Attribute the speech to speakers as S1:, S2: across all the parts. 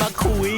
S1: คุย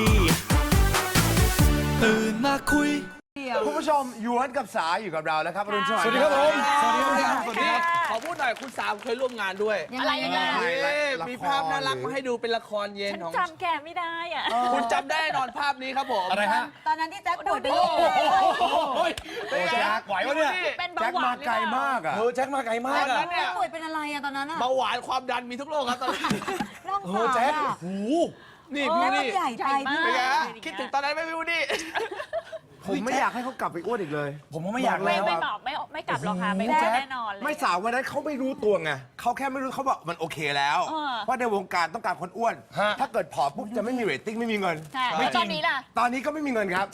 S1: ตื่นมาคุย
S2: คุณผู้ชมหยวนกับสาอยู่กับเราแล้วครับอรุณสวัส
S3: สวัสดี
S2: ดิ์
S3: ครับผม
S4: สวัสดีครับ
S3: สวัสดีครับขอพูดหน่อยคุณสามเคยร่วมงานด้วย
S4: อะไรยังไง
S3: มีภาพน่ารักมาให้ดูเป็นละครเย็น
S4: ฉัน
S3: ของ
S4: จำแกไม่ได้อ่ะ
S3: คุณจำได้แน่นอนภาพนี้ครับผม
S5: อะไรฮะ
S6: ตอนนั้นที่แจ็คป่วยเป็น
S4: โอ้
S6: โรค
S5: โอ้ยแจ็คไหววะเนี่ย
S4: เป็นเบา
S2: แจ็ค
S4: หวาม
S2: าน ไกลมากอ่ะ
S5: แจ็คมาไกลมาก
S3: ตอน
S5: อะ
S3: นั้นเนี่ย
S6: ป่วยเป็นอะไรอะตอนนั้นอะ
S3: เบาหวานความดันมีทุกโรคครับตอนนั้น
S6: ร่อง
S5: โอ้
S6: ฝา
S5: แจ็ค
S6: อะ
S5: โอ้โห
S3: นี่
S6: แล้
S3: พี่
S6: วมัน
S3: นี่
S6: ใหญ่ไปพี่
S3: เป็นไงฮะ
S4: ใหญ่มาก
S3: คิดถึงตอนนั้นไหม่พี่วูดดี้
S2: ผมไม่อยากให้เขากลับไปอ้วนอีกเลย
S5: ผมก็ไม่อยาก
S4: ไม่
S5: แล้ว
S4: ไม่
S5: อะ
S4: บอกไม่กลับหรอกค่ะไม่
S2: แจ็ค
S4: แน่นอนเลย
S2: ไม่สาววันนั้นเขาไม่รู้ตัวไงเขาแค่ไม่รู้เขาบอกมันโอเคแล้ว เพราะในวงการต้องการคนอ้วน
S5: ฮะ
S2: ถ้าเกิดผอมปุ๊บจะไม่มีเรตติ้งไม่มีเงิน
S4: ใช่แล้วตอนนี้ล่ะ
S2: ตอนนี้ก็ไม่มีเงินครับ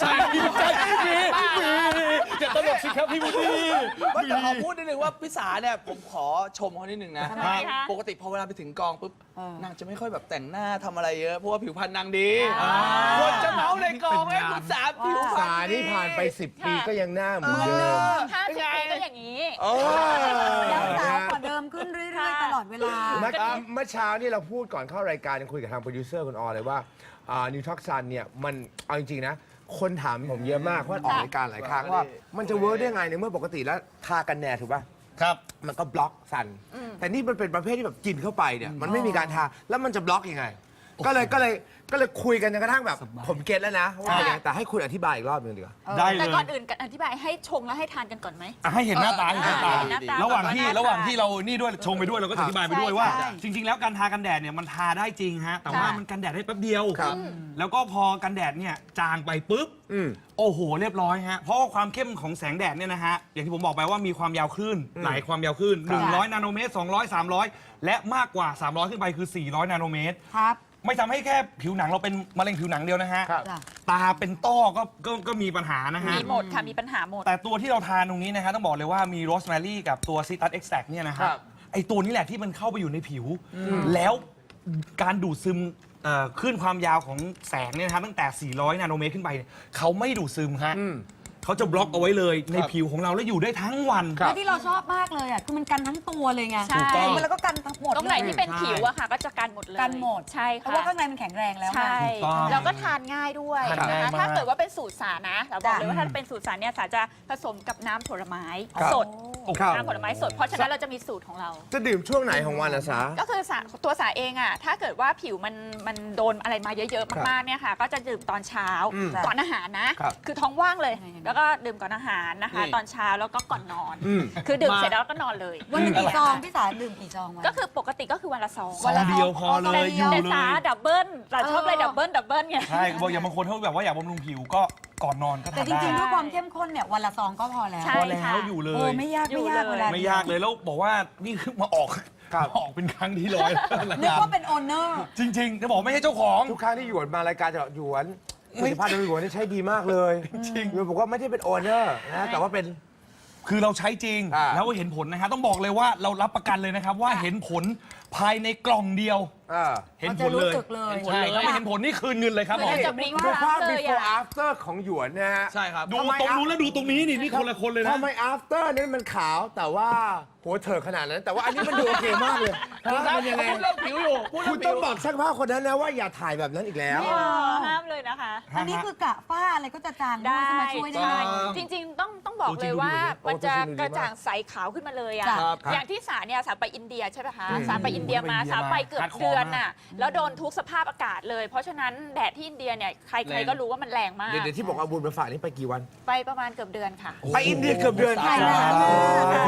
S5: อย่าตลกสิครับพี่วูดดี้
S3: ว่าแต่ขอพูดนิดนึงว่าพี่สาเนี่ยผมขอชมเขานิดนึงนะ
S4: ทำไมคะ
S3: ปกติพอเวลาไปถึงกองปุ๊บนางจะไม่ค่อยแบบแต่งหน้าทำอะไรเยอะเพราะว่าผิวพรรณนางดีคนจะเมาในกองไอ้คุณสาผิวพรรณ
S2: สานี่ผ่านไป 10 ปีก็ยังหน้าเหมือนเดิม
S4: 50 ปีก็อย่างนี้
S6: แล้วสาวกว่าเดิมขึ้นเรื่อยๆตลอดเวลา
S2: เมื่อเช้านี่เราพูดก่อนเข้ารายการยังคุยกับทางโปรดิวเซอร์คุณออเลยว่านิวท็อกซันเนี่ยมันเอาจริงๆนะ คนถามผมเยอะมากเพราะออกรายการหลายครั้งว่า มันจะเวิร์กได้ไงในเมื่อปกติแล้วทากันแดดถูกป่ะ
S5: ครับ
S2: มันก็บล็อกสัน แต่นี่มันเป็นประเภทที่แบบกินเข้าไปเนี่ยมันไม่มีการทาแล้วมันจะบล็อกยังไง ก็เลยคุยกันจนกระทั่งแบบ ผมเก็ตแล้วนะว่าเป็นยังไงแต่ให้คุณอธิบายอีกรอบหนึงดีกว่า
S5: ได้เล
S4: แต่
S5: ย
S4: ก่อนอื่นอธิบายให้ชงแล้วให้ทานกันก่อนไหม
S5: อ่ะให้เห็นหน้าตาให้เห็นหน้าตา
S4: เห็นหน้าตา
S5: ระหว่างที่
S4: ก่อน
S5: ระหว่างที่เรานี่ด้วยชงไปด้วยเราก็อธิบายไปด้วยว่า
S6: ใช่
S5: จริง ๆ แล้วการทากันแดดเนี่ยมันทาได้จริงฮะแต่ว่ามันกันแดดได้แป๊บเดียว
S2: ครับ
S5: แล้วก็พอกันแดดเนี่ยจางไปปุ๊บ
S2: อืม
S5: โอ้โห เรียบร้อยฮะ เพราะว่าความเข้มของแสงแดดเนี่ยนะฮะ อย่างที่ผมบอกไปว่ามีความยาวคลื่นหลายความยาวคลื่น100 นาโนเมตร 200 300 และมากกว่า 300 ขึ้นไปคือ 400 นาโนเมตร
S6: ครับ
S5: ไม่ทำให้แค่ผิวหนังเราเป็นมะเร็งผิวหนังเดียวนะฮะ
S2: ครับ
S6: จ้ะ
S5: ตาเป็นต้อก็มีปัญหานะฮะ
S4: มีหมดค่ะมีปัญหาหมด
S5: แต่ตัวที่เราทานตรงนี้นะฮะต้องบอกเลยว่ามีโรสแมรี่กับตัวซิตัสเอ็กซ์แทเนี่ยนะฮะ
S2: ครับ
S5: ไอตัวนี้แหละที่มันเข้าไปอยู่ในผิว แล้วการดูดซึมคลื่นความยาวของแสงเนี่ยนะครับตั้งแต่ 400 นาโนเมตรขึ้นไปเนี่ยเขาไม่ดูดซึมฮะเขาจะบล็อกเอาไว้เลยในผิวของเราแล้วอยู่ได้ทั้งวัน
S6: แล้วที่เราชอบมากเลยอะคือมันกันทั้งตัวเลยไง
S4: ใช่
S6: แล้วก็กันทั้งหมด
S4: ตรงไหนที่เป็น
S5: ใช่
S4: ผิวอะค่ะ ก็จะกันหมดเลย
S6: กันหมด
S4: ใช่
S6: เพ
S4: ค่ะ
S6: ราะว่าข้างในมันแข็งแรงแล้วไง
S4: ใช่
S5: ถูกต้อง
S4: แล้วก็ทานง่ายด้วย
S5: ทานง่าย
S4: นะคะ
S5: มาก
S4: ถ้าเกิดว่าเป็นสูตรสานะเราบอกเลยว่า
S6: จ้ะ
S4: ถ้าเป็นสูตรสาเนี่ยสาจะผสมกับน้ำผลไม้สด
S2: ครับ
S4: น้ำผลไม้สด เพราะฉะนั้นเราจะมีสูตรของเรา
S2: จะดื่มช่วงไหนของวันล่ะสา
S4: ก็คือตัวสาเองอะถ้าเกิดว่าผิวมันโดนอะไรมาเยอะๆมากๆเนี่ยค่ะ ก็จะดื่มตอนเช้า ก่อนอาหารนะ
S2: ครับ
S4: คือท้องว่างเลย แล้วก็ดื่มก่อนอาหารนะคะ
S3: นี่
S4: ตอนเช้าแล้วก็ก่อนนอน
S2: อืม
S4: คือดื่มเสร็จแล้วก็นอนเลย
S6: วันหนึงกี่ซองพี่สาดื่มกี่ซองวัน
S4: ก็คือปกติก็คือวันละซอง
S5: ซองเดียวพอเลยอยู่
S4: แต่
S5: เล
S4: สาย ดับเบิลแต่ชอบเลยดับเบิลไง
S5: ใช่บอกอย่างบางคนเขาแบบว่าอยากบำรุงผิวก็ก่อนนอนก็
S6: แต่
S5: ทาน
S6: จริงๆ
S5: ได้
S6: ด้วยความเข้มข้นเนี่ยวันละซองก็พอแล้ว
S4: ใช่
S5: พอแล้วอยู่เล
S6: โอ้
S5: ย
S6: ไม่ยาก
S4: อยู่
S6: ไม่ยาก
S4: เลย
S6: เวลา
S5: ไม่ยากเลยแล้วบอกว่านี่คือมาออก
S2: ครับ
S5: มาออกเป็นครั้งที่ร้อย
S6: นึกว่าเป็นโอนเนอร์
S5: จริงๆจะบอกไม่ใช่เจ้าของ
S2: ทุกครั้งที่หยวนมารายการจะบอกหยวนผลิตภัณฑ์ของหยวนนี่ใช้ดีมากเลยจริงหยวนบอกว่าไม่ได้เป็นโอเนอร์นะแต่ว่าเป็น
S5: คือเราใช้จริง
S2: อ่า
S5: แล้วเห็นผลนะฮะต้องบอกเลยว่าเรารับประกันเลยนะครับว่าเห็นผลภายในกล่องเดียว เห็นผลเลย
S6: เขาจะรู้สึกเลย
S5: ใช่ถ้าไม่เห็นผลนี่คืนเงินเลยครับ
S4: คือ
S5: บอก
S4: เราจะบลิงก์
S2: ดูภาพ
S4: เลย
S2: before
S4: อะ
S2: after ของหยวนนะฮะ
S3: ใช่ครับ
S5: ดูตรงนู้นแล้วดูตรงนี้นี่คนละคนเลยนะ
S2: ทำไม after นั้นมันขาวแต่ว่าหัวเถิกขนาดนั้น แต่ว่าอันนี้มันดูโอเคมากเลยมันยังไง
S3: พูดเรื่องผิวอยู่พูด
S2: คุ
S3: เรื่
S2: ณ
S3: องผิว
S2: ต้องบอกช่างภาพคนนั้นนะว่าอย่าถ่ายแบบนั้นอีกแล้ว
S4: ห้ามเลยนะคะ
S6: อันนี้คือกะฝ้าอะไรก็จะจางด้วยจะมาช่วยได้
S4: ใช่
S6: ไหม
S4: จริงๆต้องบอกเลยว่ามันจะกระจ่างใสขาวขึ้นมาเลยอะ
S6: จ้ะ
S4: อย่างที่สาเนี่ยสาไปอินเดียใช่ไหมคะสาไปอินเดียมา
S5: ไปอินเดีย
S4: สาไปเกือบ
S5: ฮาร์ดคอร์
S4: เดือน
S5: มาก
S4: น่ะแล้วโดนทุกสภาพอากาศเลย เพราะฉะนั้นแดดที่อินเดียเนี่ยใครๆก็รู้ว่ามันแรงมาก
S2: เดี๋ยวที่บอกเอาบุญมาฝากนี่ไปกี่วัน
S4: ไปประมาณเกือบเดือนค่ะ
S2: ไปอินเดียเกือบเดือน
S6: ไปนานมาก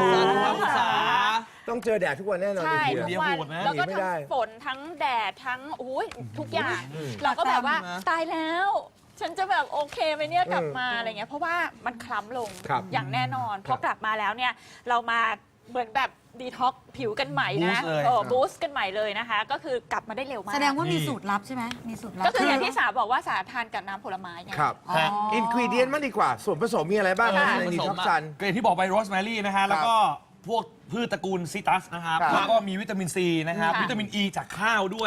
S3: ภาษา
S2: ต้องเจอแดดทุกวันแน่นอน
S4: ใช่
S2: อินเดี
S4: ทุ
S2: ย
S4: กวัน
S5: โหดนะ
S4: แล้วก็
S2: หนีไม่
S4: ทั้
S2: ได้
S4: งฝนทั้งแดดทั้งอุ้ยทุกอย่าง เราก็แบบว่าตายแล้ว ฉันจะแบบโอเคไหมเนี่ยกลับมาอะไรเงี้ยเพราะว่ามันคล้ำลง
S2: ครับ
S4: อย่างแน่นอนพอกลับมาแล้วเนี่ยเรามาเหมือนแบบดีท็อกผิวกันใหม่นะ
S5: Boost เลย
S4: บูสต์กันใหม่เลยนะคะ ก็คือกลับมาได้เร็วมาก
S6: แสดงว่ามีสูตรลับใช่ไหมมีสูตรลับ
S4: ก็คืออย่างที่สาบอกว่าสาทานกับน้ำผลไม้ไง
S2: ครับ
S6: อ๋อ
S2: อินกรีเดียนมันดีกว่า ส่วนผสมมีอะไรบ้าง
S4: ค่ะ
S2: ในดีท็อกซัน
S5: ก็อย่างที่บอกไปโรสแมรี่นะฮะแล้วก็พวกพืชตระกูลซิตัสนะครับ
S2: ครับ
S5: แล้วก็มีวิตามินซีนะครับ
S4: ค่ะ
S5: วิตามินอ e ีจากข้าวด้วย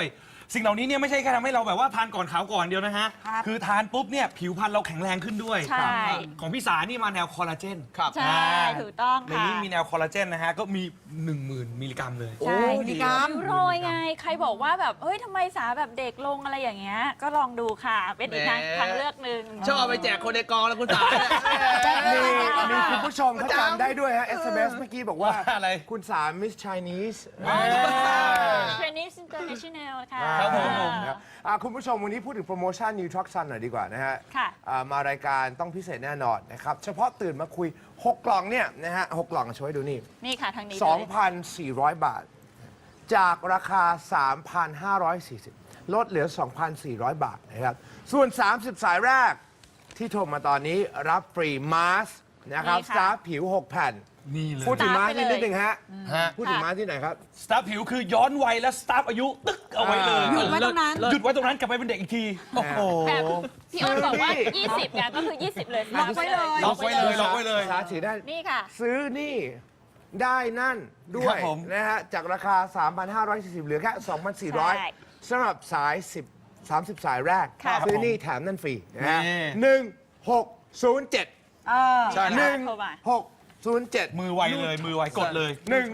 S5: สิ่งเหล่านี้เนี่ยไม่ใช่แค่ทำให้เราแบบว่าทานก่อนขาวก่อนเดียวนะฮะ
S6: ครับ
S5: คือทานปุ๊บเนี่ยผิวพรรณเราแข็งแรงขึ้นด้วย
S4: ใช่
S5: ของพี่สานี่มาแนวคอลลาเจน
S3: ครับ
S4: ใช่ถูกต้อง
S5: ใน
S4: ค่ะ
S5: นี้มีแนวคอลลาเจนนะฮะ ก็มี 10,000 มิลลิกรัมเลย
S4: ใช่
S6: มิลลิกรัม
S4: ริ้วรอยไง ใครบอกว่าแบบเฮ้ยทำไมสาแบบเด็กลงอะไรอย่างเงี้ย ก็ลองดูค่ะ เป็นอีก
S3: แหม
S4: ทางเลือกหนึ่ง
S3: ชอบเอาไปแจกคนในกองแล้วคุณสา
S2: มีคุณผู้ชมเขาจำได้ด้วยฮะ SMS เมื่อกี้บอกว่า
S5: อะไร
S2: คุณสาม Miss Chinese
S4: เทรนนิ่งอินเตอร์เนชั่นแนลค่ะ
S5: ครับผม
S2: ครับคุณผู้ชมวันนี้พูดถึงโปรโมชั่น New Truck Sun หน่อยดีกว่านะฮะ
S4: ค่ะ
S2: มารายการต้องพิเศษแน่นอนนะครับ เฉพาะตื่นมาคุย 6 กล่องเนี่ยนะฮะ 6 กล่องช่วยดูนี่
S4: นี่ค่ะทางนี้เลย
S2: 2,400 บาท จากราคา 3,540 ลดเหลือ 2,400 บาทนะครับ ส่วน 30 สายแรกที่โทรมาตอนนี้รับฟรีมาสก์นะครับ
S4: นี่
S2: ส
S4: ค่ะ
S2: ตาร์ผิว 6 แผ่น
S5: นี่เลย
S2: พูดถึงมาสก์
S4: สตาร์ทไปเลย
S2: นิดนึงฮะ
S5: ฮะ
S2: พูดถึงมาสก์ที่ไหนครับ
S5: สตาร์ผิวคือย้อนวัยและสตาร์อายุตึ๊กเอาไว้เลย
S6: หยุดไว้ตรงนั้น
S5: หยุดไว้ตรงนั้นกลับไปเป็นเด็กอีกที โอ้โห
S4: แบบพี่อ้นบอกว่า
S2: นี่
S4: 20กันก็คือ 20 เลย
S6: ล็อกไว้เลย
S5: ล็อกไว้เลยล็อกไว้เลย
S2: สาถือได้
S4: นี่ค่ะ
S2: ซื้อนี่ได้นั่นด้ว
S5: ครั
S2: ย
S5: บผม
S2: นะฮะ จากราคา 3,540 เหลือแค่
S4: ใช่
S2: 2,400สำหรับสาย 30 สายแรก
S4: ค่ะ
S2: ซื้อนี่แถมนั่นฟรีนะฮะ
S5: นี่
S2: 1607
S6: เออ
S5: ใช่นะ
S4: โทรมา
S2: 1607
S5: มือไวเลย มือไวกดเลย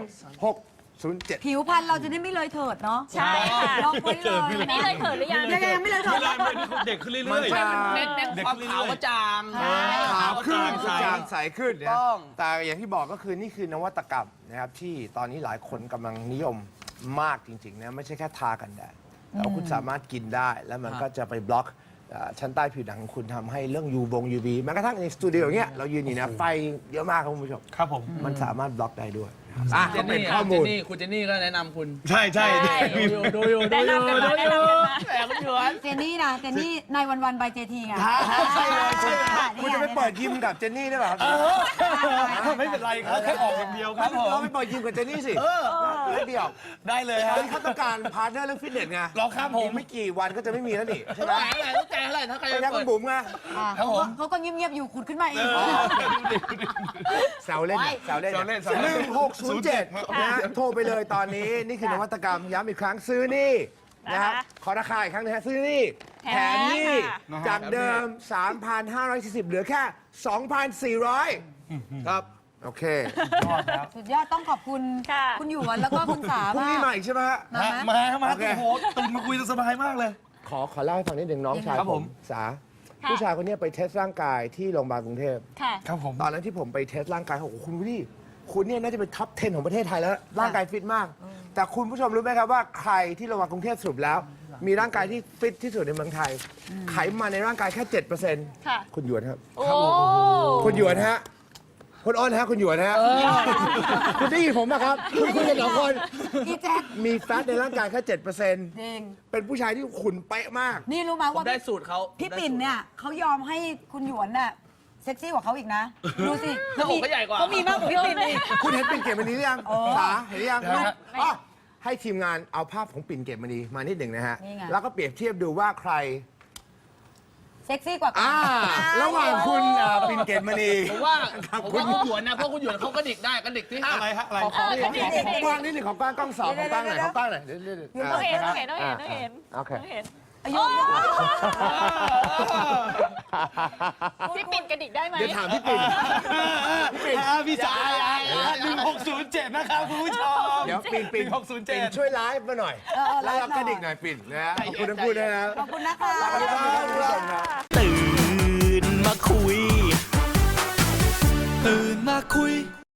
S2: 1607
S6: ผิวพรรณเราจะได้ไม่เลยเถิดเนาะ
S4: ใช่ค่ะ
S6: ล็อกไว้เลย
S4: อันนี้เลยเขินหรือยัง
S6: ยังไม่เลยเถิด
S5: เด็กขึ้นเรื่อย
S2: มันจะ
S3: เน้นความขาวกระจ่าง
S2: ขาวขึ้น
S5: ใช่
S2: จางใสขึ้นนะ
S3: ต้อง
S2: แต่อย่างที่บอกก็คือนี่คือนวัตกรรมนะครับที่ตอนนี้หลายคนกำลังนิยมมากจริงๆนะไม่ใช่แค่ทากันแดดแต่ว่าคุณสามารถกินได้แล้วมันก็จะไปบล็อกชั้นใต้ผิวหนังของคุณทำให้เรื่อง UV แม้กระทั่งในสตูดิโออย่างเงี้ยเรายืนอยู่นะไฟเยอะมากครับคุณผู้ชม
S5: ครับผม
S2: มันสามารถบล็อกได้ด้วย
S3: เจ
S2: ก็
S3: น
S2: เป็น
S3: นี่
S2: ข้อมูล
S3: คุณเจนนี่ก็แนะนำคุณ
S5: ใช่ใช่
S4: ใช่
S3: ดูอยู่
S4: แนะนำกันมาแนะนำกันมา
S3: แต่คุณหยวน
S6: เจนนี่นะเจนนี่ในวันบายเจทีไง
S2: ใช่เลยใช่เลย
S6: ค่ะ
S2: คุณจะไปเปิดยิมกับเจนนี่ได้เปล่าครับ
S5: ไม่เป็นไรครับแค่ออกอย่างเดียวครับผม
S2: เราไปเปิดยิมกับเจนนี่สิแล้วเดียว
S5: ได้เลย
S2: ต
S5: ค
S2: อ
S5: รั
S2: น
S5: บ
S2: นี้เขาต้องการพาร์ทเนอร์เรื่องฟิตเนสไง
S5: หรอครับผม
S2: อีกไม่กี่วันก็จะไม่มีแล้วนี่ใช่ไหม
S3: ต้องแจกอะไรถ้าใคร
S2: ไป
S3: ไป
S2: นะ
S3: เปิ
S2: คุ
S3: ด
S2: ณบุ๋มไง
S5: ครับผม
S6: เขาก็เงียบๆอยู่ขุดขึ้นมาเอง
S2: แซวเล่นแซวเล่น
S5: แซวเล่นแซวเล่น
S2: 1607นะโทรไปเลยตอนนี้นี่คือนวัตกรรมย้ำอีกครั้งซื้อนี่นะครับขอราคาอีกครั้งนะฮะซื้อนี่แถมนี่
S5: นะฮะ
S2: จากเดิม 3,540 เหลือแค่ 2,400
S3: ครับ
S2: โอเค
S6: สุดยอดต้องขอบคุณ
S4: ค่ะ
S6: คุณหยวนแล้วก็คุณสา
S2: พรุ่ง
S6: มา
S2: นี้มาก อีกใช่ไหมฮะ
S6: มาไหม
S5: มา
S2: โอเค
S5: โอ้โหตื่นมาคุยสบายมากเลย
S2: ขอเล่าให้ฟังนิดหนึ่งน้องชาย
S5: ครับ
S2: ผ
S5: ผม ม
S2: สา
S4: ค่ะ
S2: ผู้ชายคนนี้ไปเทสร่างกายที่โรงพยาบาลกรุงเทพ
S4: ค่ะ
S5: ครับผม
S2: ตอนนั้นที่ผมไปเทสร่างกายเขาบอกโอ้โหคุณวิลลี่คุณเนี่ยน่าจะเป็นท็อป 10 ของประเทศไทยแล้ว ร่างกายฟิตมาก แต่คุณผู้ชมรู้ไหมครับว่าใครที่โรงพยาบาลกรุงเทพสรุปแล้ว มีร่างกายที่ฟิตที่สุดในเมืองไทย ไขมันในร่างกายแค่ 7%
S4: ค่ะ
S2: คุณหยวนครับ
S4: โอ้
S2: คุณหยวนฮะคุณอ้อนฮะคุณหยวนฮะคุณได้ยินผมป่ะครับ คุณคุยกันสองคน
S6: พี่แจ๊ค
S2: มีแฟตในร่างกายแค่ 7%
S6: เด้ง
S2: เป็นผู้ชายที่ขุนเป๊ะมาก
S6: นี่รู้ไหม
S3: ผม
S6: ว่า
S3: ได้สูตรเขา
S6: พี่ปิ่นเนี่ยเขายอมให้คุณหยวนน่ะเซ็กซี่กว่าเขาอีกนะ ดูสิ
S3: หน้าอกก็ใหญ่กว่า
S6: เขามีมากกว่าพี่ปิ่นอีก
S2: คุณเห็นปิ่นเกตมณีหรือยัง
S6: โอ้
S2: สาเห็นหรือยัง
S5: นะฮะ
S2: อ๋อให้ทีมงานเอาภาพของปิ่นเกตมณีมานิดหนึ่งนะฮะ
S6: นี่ไง
S2: แล้วก็เปรียบเทียบดูว่าใคร
S6: เซ็กซี่กว่ากัน
S2: ระหว่างคุณปิ่นเกตมณี
S3: ผมว่าคุณหยวนนะเพราะคุณหยวนเขากระดิกได้กระดิกที่
S5: อะไรฮะอะไร
S2: ของกว้างนิดหนึ่งของกว้างกล้องสองของกว้างหน่อยของกว้างหน่อยเดี๋ยว
S4: ต้องเห็นต้องเห็นต้องเห็นต้องเห็น
S2: โอเค
S4: ต้องเห็น
S6: อายุ
S4: พี่ปิ่นกระดิกได้ไหม
S2: เดี๋ยวถามพี่ปิ่น
S5: พี่สาย1607 นะครับคุณผู้ชม
S2: เดี๋ยวปิ่น
S5: 1607
S2: ปิ่นช่วยไลฟ์มาหน่อย แล้วเรากระดิกหน่อยปิ่นนะฮะขอบคุณทั้งคู่ด้วยนะ
S6: ขอบคุณนะคะ
S2: ขอบคุณครับคุณผู้ชมครับ
S1: ตื่นมาคุย ตื่นมาคุย